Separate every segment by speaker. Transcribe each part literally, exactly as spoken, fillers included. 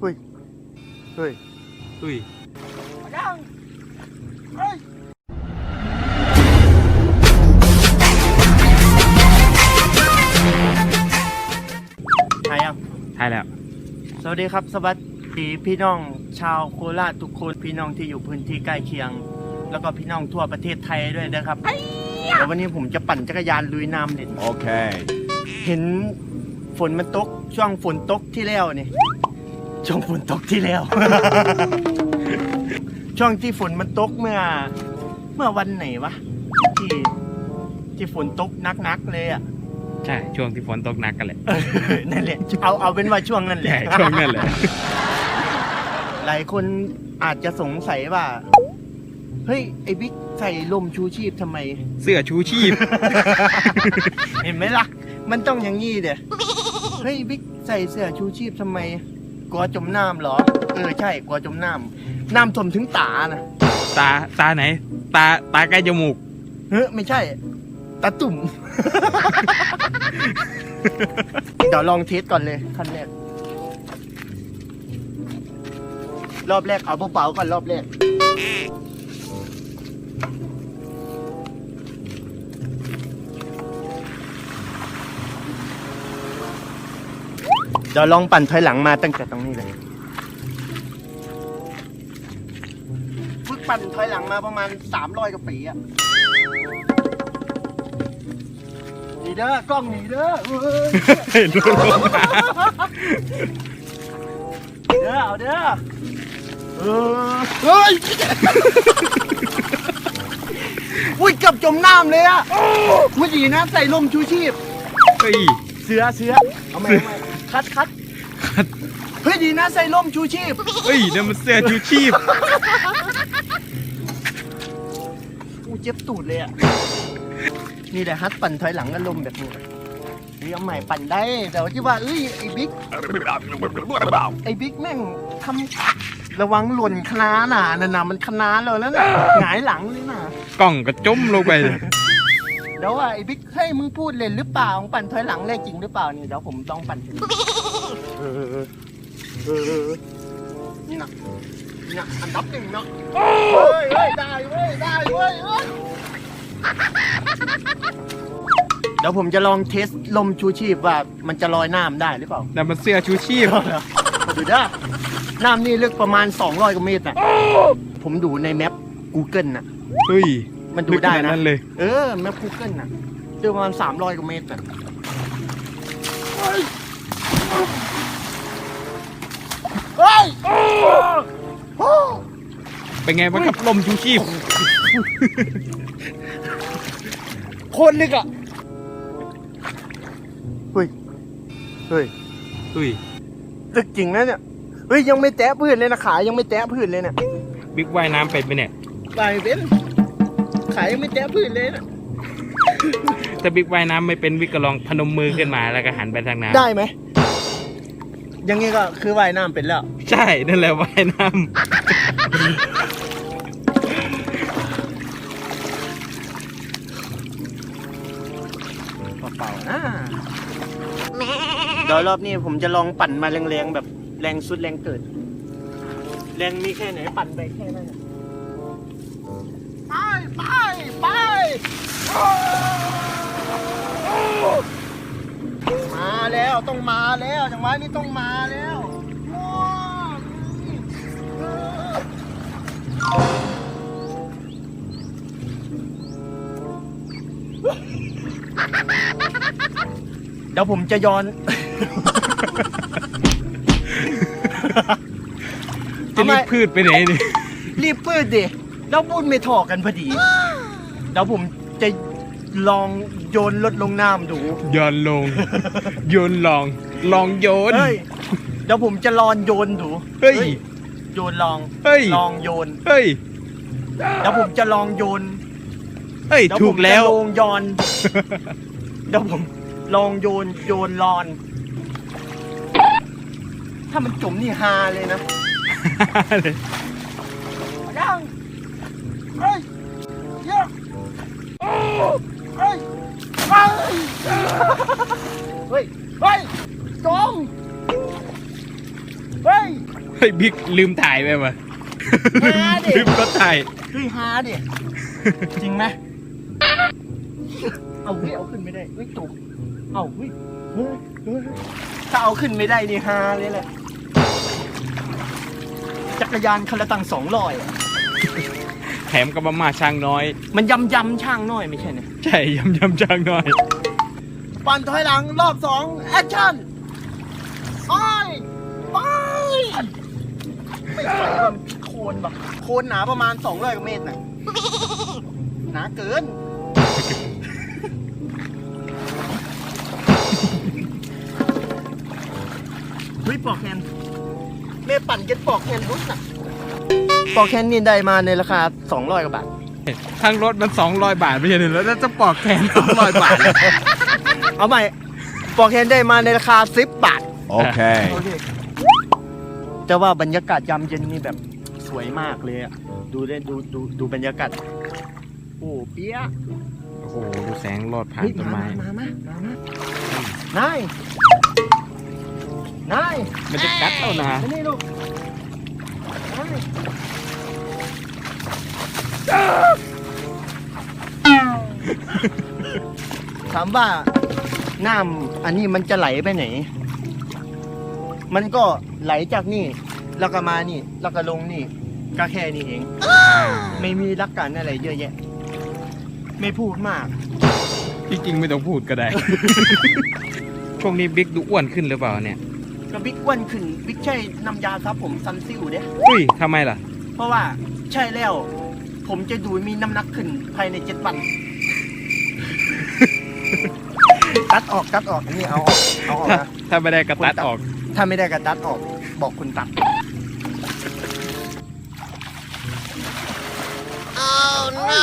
Speaker 1: ฮ้ยเฮ้ย
Speaker 2: เฮ้ย
Speaker 1: ยังเฮ้ยถ่ายยัง
Speaker 2: ถ่ายแล้ว
Speaker 1: สวัสดีครับสวัสดีพี่น้องชาวโคราชทุกคนพี่น้องที่อยู่พื้นที่ใกล้เคียงแล้วก็พี่น้องทั่วประเทศไทยด้วยนะครับเดี๋ยววันนี้ผมจะปั่นจักรยานลุยน้ำเด่น
Speaker 2: โอเค
Speaker 1: เห็นฝนมันตกช่วงฝนตกที่แล้วนี่ช่วงฝนตกที่แล้ว ช่วงที่ฝนมันตกเมื่อเมื่อวันไหนวะที่ที่ฝนตกนักๆเลยอ่ะ
Speaker 2: ใช่ช่วงที่ฝนตกหนักกันแหละ
Speaker 1: นั่นแหละเอาเอาเป็นว่าช่วงนั้นแหละ
Speaker 2: ช่วงนั้นแหละ
Speaker 1: หลายคนอาจจะสงสัยว่าเฮ้ยไอ้บิ๊กใส่ลมชูชีพทำไม
Speaker 2: เสื้อชูชีพ
Speaker 1: เห็นไหมล่ะมันต้องอย่างงี้เด้เฮ้ยบิ๊กใส่เสื้อชูชีพทำไมกลัวจมน้ำเหรอเออใช่กลัวจมน้ำน้ำท่วมถึงตานะ
Speaker 2: ตาตาไหนตาตาใกล้จมูก
Speaker 1: เฮ้ยไม่ใช่ตาตุ่ม เดี๋ยวลองเทสก่อนเลยขั้นแรกรอบแรกเอาเบาๆก่อนรอบแรกเดี๋ยวลองปั่นถอยหลังมาตั้งแต่ตรงนี้เลยฝึกปั่นถอยหลังมาประมาณสามร้อยกว่าปีอะหนีเด้อกล้องหนีเด้อเด้อเอาเด้อเออเฮ้ยอุ้ยเกือบจมน้ำเลยอะไม่ดีนะใส่ลมชูชีพ
Speaker 2: เฮ้ย
Speaker 1: เสือเสือเอาไหมเอาไหมคัดคัดเฮ้ยดีนะใส่ร่มชูชีพ
Speaker 2: เฮ้ยนั่นมันเสื้อชูชีพ
Speaker 1: กูเจ็บตูดเลยอ่ะนี่แหละฮัทปั่นถอยหลังก็ลมแบบนี้นี่เอาใหม่ปั่นได้แต่ว่าที่ว่าเอ้ยไอ้บิ๊กไอ้บิ๊กแม่งทำระวังหล่นคณะน่ะนั่นน่ะมันคณะเลยแล้วน่ะหงายหลังเลยน่ะ
Speaker 2: กล้องก็จมลงไป
Speaker 1: เดี๋ยวว่าไอ้บิ๊กเฮ้ยมึงพูดเล่นหรือเปล่ามึงปั่นถอยหลังได้จริงหรือเปล่านี่เดี๋ยวผมต้องปั่นเออเออนี่นะนี่นะอันดับหนึ่งเนาะเฮ้ยเฮ้ยได้เว้ยได้เว้ยเดี๋ยวผมจะลองเทสลมชูชีพว่ามันจะลอยน้ำได้หรือเปล่า
Speaker 2: แต่มันเสื้อชูชีพ
Speaker 1: ดูด้าน้ำนี่ลึกประมาณสองร้อยกว่าเมตรน่ะผมดูในแมป Google น่ะ
Speaker 2: เฮ้ย
Speaker 1: มันดูได้นะ
Speaker 2: เลย
Speaker 1: เออแมป Google น่ะเจอประมาณสามร้อยกว่าเมตรน่ะเฮ้ย
Speaker 2: เป็นไงบ้างครับลมชูชีพ
Speaker 1: โคตรลึกอ่ะเฮ้ยเฮ้ย
Speaker 2: เฮ้ย
Speaker 1: ลึกจริงนะเนี่ยเฮ้ยยังไม่แตะพื้นเลยนะขายังไม่แตะพื้นเลยเนี่ย
Speaker 2: บิ๊กว่ายน้ำเป็นไหมเนี่ย
Speaker 1: ว่ายเป็นขายังไม่แตะพื้นเลยนะ
Speaker 2: ถ้าบิ๊กว่ายน้ำไม่เป็นบิ๊กก็ลองพนมมือขึ้นมาแล้วก็หันไปทางน้ำ
Speaker 1: ได้ไหมยังไงก็คือว่ายน้ำเป็นแล้ว
Speaker 2: ใช่นั่นแหละว่ายน้ำ
Speaker 1: เปล่าๆนะเดี๋ยวรอบนี้ผมจะลองปั่นมาแรงๆแบบแรงสุดแรงเกิดแรงมีแค่ไหนปั่นไปแค่นั้นไปไปไปมาแล้วต้องมาแล้วจังหวะนี้ต้องมาแล้วเดี๋ยวผมจะย้อน
Speaker 2: จะรีบพืชไปไหนดิ
Speaker 1: รีบพืชดิแล้วพูดไม่ถอกันพอดีเดี๋ยวผมจะลองโยนรถลงน้ำดู
Speaker 2: โยนลงโยนลองลองโยน
Speaker 1: เฮ้ยเดี๋ยวผมจะลองโยนดู
Speaker 2: เฮ้ย
Speaker 1: โยนลอง
Speaker 2: เฮ้ย
Speaker 1: ลองโยน
Speaker 2: เฮ้ย
Speaker 1: เดี๋ยวผมจะลองโยน
Speaker 2: เฮ้ยถูกแล้ว
Speaker 1: ลองโยนเดี๋ยวผมลองโยนโยนลอนถ้ามันจมนี่ฮาเลยนะยังเฮ้ยเยอะเฮ้ยเฮ้ยเฮ้ยเฮ้ยจมเฮ้ย
Speaker 2: เฮ้ยบิ๊กลืมถ่ายไปวะ
Speaker 1: ฮาดิ
Speaker 2: ลืมก็ถ่าย
Speaker 1: เฮ้ยฮาดิจริงไหมเอาเฮ้ยเอาขึ้นไม่ได้เฮ้ยตกเอาเฮ้ยเฮ้ยเฮ้ยถ้าเอาขึ้นไม่ได้นี่ฮาเลยแหละจักรยานคันละตังสองร้อย
Speaker 2: แถมกับมาม่าช่างน้อย
Speaker 1: มันยำยำช่างน้อยไม่ใช่เนี่ย
Speaker 2: ใช่ยำยำช่างน้อย
Speaker 1: ปั่นถอยหลังรอบสองแอคชั่นไปไปไม่ไหวมันโคนแบบโคนหนาประมาณสองร้อยกว่าเมตรน่ะหนาเกินเฮ้ยปอกแคนแม่ปั่นเก็ตปอกแคนรุ่นน่ะปอกแคนนี่ได้มาในราคาสองร้อยกว่าบาท
Speaker 2: ทั้งรถมันสองร้อยบาทไม่ใช่เหรอแล้วจะปอกแขนสองร้อยบาท
Speaker 1: เอาใหม่ปอกแคนได้มาในราคาสิบบาท
Speaker 3: Okay.
Speaker 1: จะว่าบรรยากาศยามเย็นนี่แบบสวยมากเลยอะดูได้ดูดูดูบรรยากาศโอ้เปี้ย
Speaker 2: โอ้โหดูแสงรอดผ่าน
Speaker 1: เฮ้ย
Speaker 2: ต้น
Speaker 1: มา
Speaker 2: ไม้
Speaker 1: มามามา มานายนาย
Speaker 2: มันจะกัดเอานะ
Speaker 1: มานี่ลูกนายถามว่าน้ำอันนี้มันจะไหลไปไหน มันก็ไหลจากนี่แล้วก็มานี่แล้วก็ลงนี่ก็แค่นี้เอง ไม่มีหลักการอะไรเยอะแยะ ไม่พูดมาก
Speaker 2: จริงๆไม่ต้องพูดก็ได้ ช่วงนี้บิ๊กดูอ้วนขึ้นหรือเปล่าเนี่ย
Speaker 1: ก็บิ๊กอ้วนขึ้นบิ๊กใช่น้ำยาครับผมซันซิลเด้
Speaker 2: อุ้ยทำไมล่ะ
Speaker 1: เพราะว่าใช่แล้ว ผมจะดูมีน้ำหนักขึ้นภายในเจ็ดวัน ตัดออกตัดออกอันนี่เอาออกเอาออก
Speaker 2: ถ้า
Speaker 1: นะ
Speaker 2: ถ้าไม่ได้กระตัดออก
Speaker 1: ถ้าไม่ได้ก็ตัดออกบอกคุณตัด oh no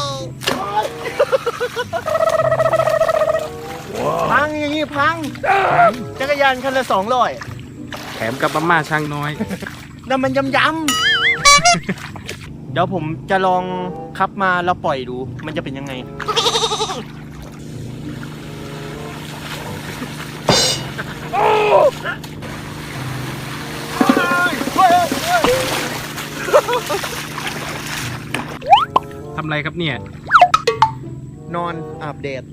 Speaker 1: พังอย่างนี้พังจักรยานคันละสองร้อย
Speaker 2: แถมกับมาม่าช่างน้อย
Speaker 1: นั่นมันยำยำ เดี๋ยวผมจะลองขับมาแล้วปล่อยดู มันจะเป็นยังไง
Speaker 2: ทำไรครับเนี่ย
Speaker 1: นอนอาบแดด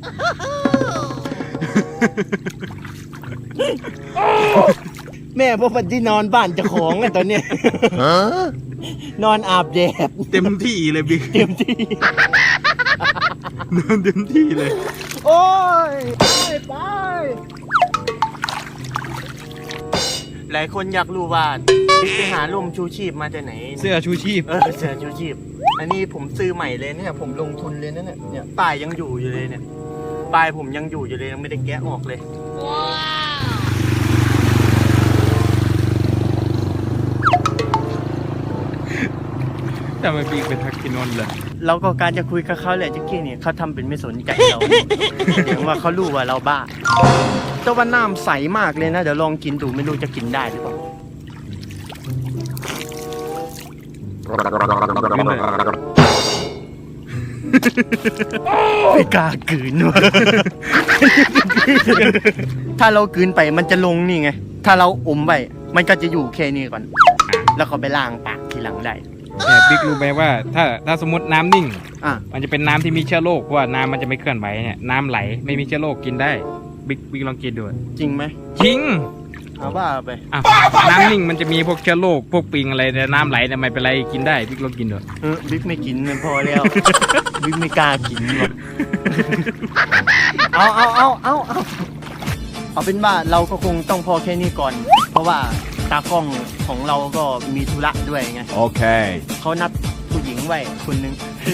Speaker 1: แม่พวกมันที่นอนบ้านเจะของกันตอนเนี้ย นอนอาบแดด
Speaker 2: เต็มที่เลยบิ๊ก
Speaker 1: เต็มที่
Speaker 2: นอนเต็มที่เลย
Speaker 1: โอ้ยไปไปหลายคนอยากรู้ว่าบิ๊กไปหาร่มชูชีพมาจากไหน
Speaker 2: เสื้อชูชีพ
Speaker 1: เออเสื้อชูชีพ อันนี้ผมซื้อใหม่เลยเนี่ยผมลงทุนเลยนะเนี่ยเนี่ยป้ายยังอยู่อยู่เลยเนี่ยป้ายผมยังอยู่อยู่เลยยังไม่ได้แกะออกเลย
Speaker 2: แต่ไม่บิ๊กเป็นทักกินนท์เลย
Speaker 1: เราก็การจะคุยกับเขาแหละจักกี้เนี่ยเขาทำเป็นไม่สนใจเราแสดงว่าเขารู้ว่าเราบ้าแต่ว่าน้ำใสมากเลยนะเดี๋ยวลองกินดูไม่รู้จะกินได้หรือเปล่าไม่กล้ากลืนวะ ถ้าเรากลืนไปมันจะลงนี่ไงถ้าเราอมไปมันก็จะอยู่แค่นี้ก่อน แล้วก็ไปล้างปากทีหลังได้
Speaker 2: แต่บิ๊กรู้ไหมว่าถ้าถ้าสมมติน้ำนิ่ง
Speaker 1: อ่ะ
Speaker 2: มันจะเป็นน้ำที่มีเชื้อโรคเพราะว่าน้ำมันจะไม่เคลื่อนไหวเนี่ยน้ำไหลไม่มีเชื้อโรคกินได้บิ๊กบิ๊กลองกินดู
Speaker 1: จริงไหม
Speaker 2: จริง
Speaker 1: เอาว่าไป
Speaker 2: อ่ะน้ำนิ่งมันจะมีพวกเชื้อโรคพวกปิงอะไรแต่น้ำไหลเนี่ยไม่เป็นไรกินได้บิ๊กลองกินดู
Speaker 1: เออบิ๊กไม่กินมันพอแล้ว บิ๊กไม่กล้ากินหรอกเอาเอาเอาเอาเอาเอาเป็นว่าเราก็คงต้องพอแค่นี้ก่อน เพราะว่าตากล้องของเราก็มีธุระด้วยไง
Speaker 3: Okay.
Speaker 1: เขานัดผู้หญิงไว้คนหนึง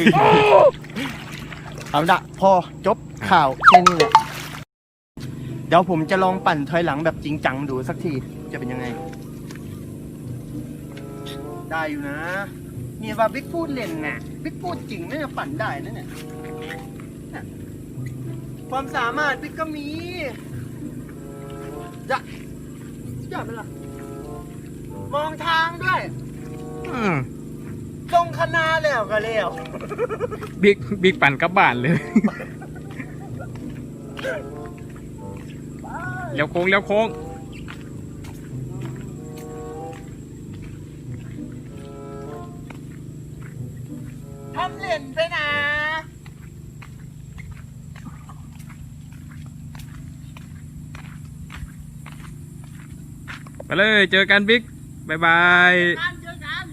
Speaker 1: เอาละพอจบข่าวแค่นี้แหละเดี๋ยวผมจะลองปั่นถอยหลังแบบจริงจังดูสักทีจะเป็นยังไง ได้อยู่นะนี่ว่าบิ๊กพูดเล่นน่ะบิ๊กพูดจริงน่าจะปั่นได้นะเนี่ยน่ะความสามารถบิ๊กก็มีจะจะเป็นไรมองทางด้วย
Speaker 2: อืม
Speaker 1: ตรงคณะแล้วก็แล้ว
Speaker 2: บิ๊กบิ๊กปั่นกลับบ้านเลยเลี้ยวโค้งเลี้ยวโค้ง
Speaker 1: ทำเหรียญไปนะ
Speaker 2: ไปเลยเจอกันบิ๊กบายบาย
Speaker 1: กันเจอกัน